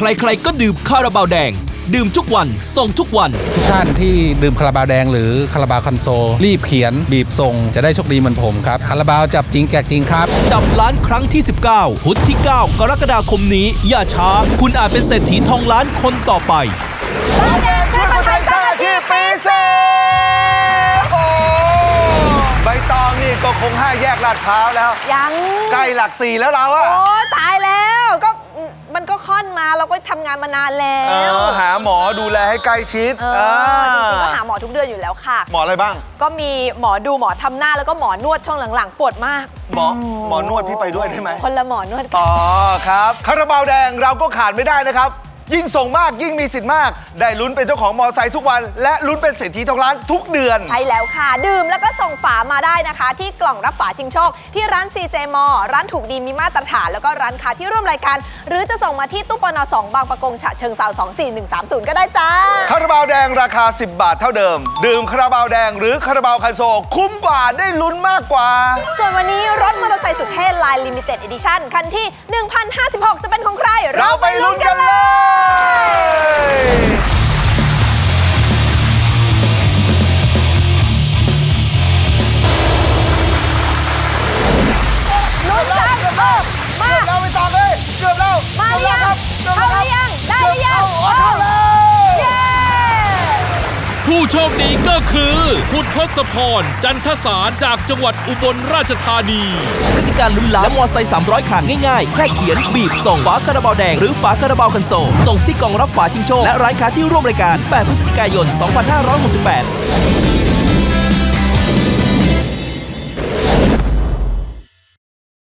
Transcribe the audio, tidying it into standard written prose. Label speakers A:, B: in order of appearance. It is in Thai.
A: ใครๆก็ดื่มคาราบาวแดงดื่มทุกวันส่งทุกวัน
B: ทุกท่านที่ดื่มคาราบาวแดงหรือคาราบาวคันโซลรีบเขียนบีบส่งจะได้โชคดีเหมือนผมครับคาราบาวจับจริงแจกจริงครับ
A: จับล้านครั้งที่ 19 พุธที่ 9 กรกฎาคมนี้อย่าช้าคุณอาจเป็นเศรษฐีทองล้านคนต่อไป
C: ช่วยคนไทยสร้างอาชีพปีเซ่โอ้ใบตองนี่ก็คง5 แยกลาดพร้าวแล้ว
D: ยัง
C: ใกล้หลัก 4แล้วเราอะ
D: โอ้ตายแล้วก็มันก็ค่อนมาเราก็ทำงานมานานแล้ว
C: หาหมอดูแลให้ใกล้ชิด
D: จริงๆก็หาหมอทุกเดือนอยู่แล้วค่ะ
C: หมออะไรบ้าง
D: ก็มีหมอดูหมอทำหน้าแล้วก็หมอนวดช่วงหลังๆปวดมาก
C: หมอนวดพี่ไปด้วยได้ไหม
D: คนละหมอนวดกัน
C: อ๋อครับคาราบาวแดงเราก็ขาดไม่ได้นะครับยิ่งส่งมากยิ่งมีสิทธิ์มากได้ลุ้นเป็นเจ้าของมอไซค์ทุกวันและลุ้นเป็นเศรษฐีทองล้านทุกเดือน
D: ใช่แล้วค่ะดื่มแล้วก็ส่งฝามาได้นะคะที่กล่องรับฝาชิงโชคที่ร้าน CJ มอร้านถูกดีมีมาตรฐานแล้วก็ร้านค้าที่ร่วมรายการหรือจะส่งมาที่ตู้ปน2บางประกงฉะเชิงเทรา24130ก็ได้จ้า
C: คาราบาวแดงราคา10 บาทเท่าเดิมดื่มคาราบาวแดงหรือคาราบาวคันโซลคุ้มกว่าได้ลุ้นมากกว่า
D: ส่วนวันนี้รถมอเตอร์ไซค์สุดเท่ Line Limited Edition คันที่1056จะเป็นของใคร
C: เราไปลุ้นกันเลย
D: ลุ้นกันมา
C: เราไปต่อเลยเกือบแล้ว
D: มาหรือยังเข้าหรือยังได้หรือยัง
C: เข้าเลย
D: เย้
A: ผู้โชคดีก็คือคุณทศพรจันทสารจากจังหวัดอุบลราชธานีกติกาลุ้นล้านและมอไซค์300 คันง่ายๆแค่เขียนบีบส่งฝาคาราบาวแดงหรือฝาคาราบาวคันโซลส่งที่กล่องรับฝาชิงโชคและร้านค้าที่ร่วมรายการ8 พฤศจิกายน 2568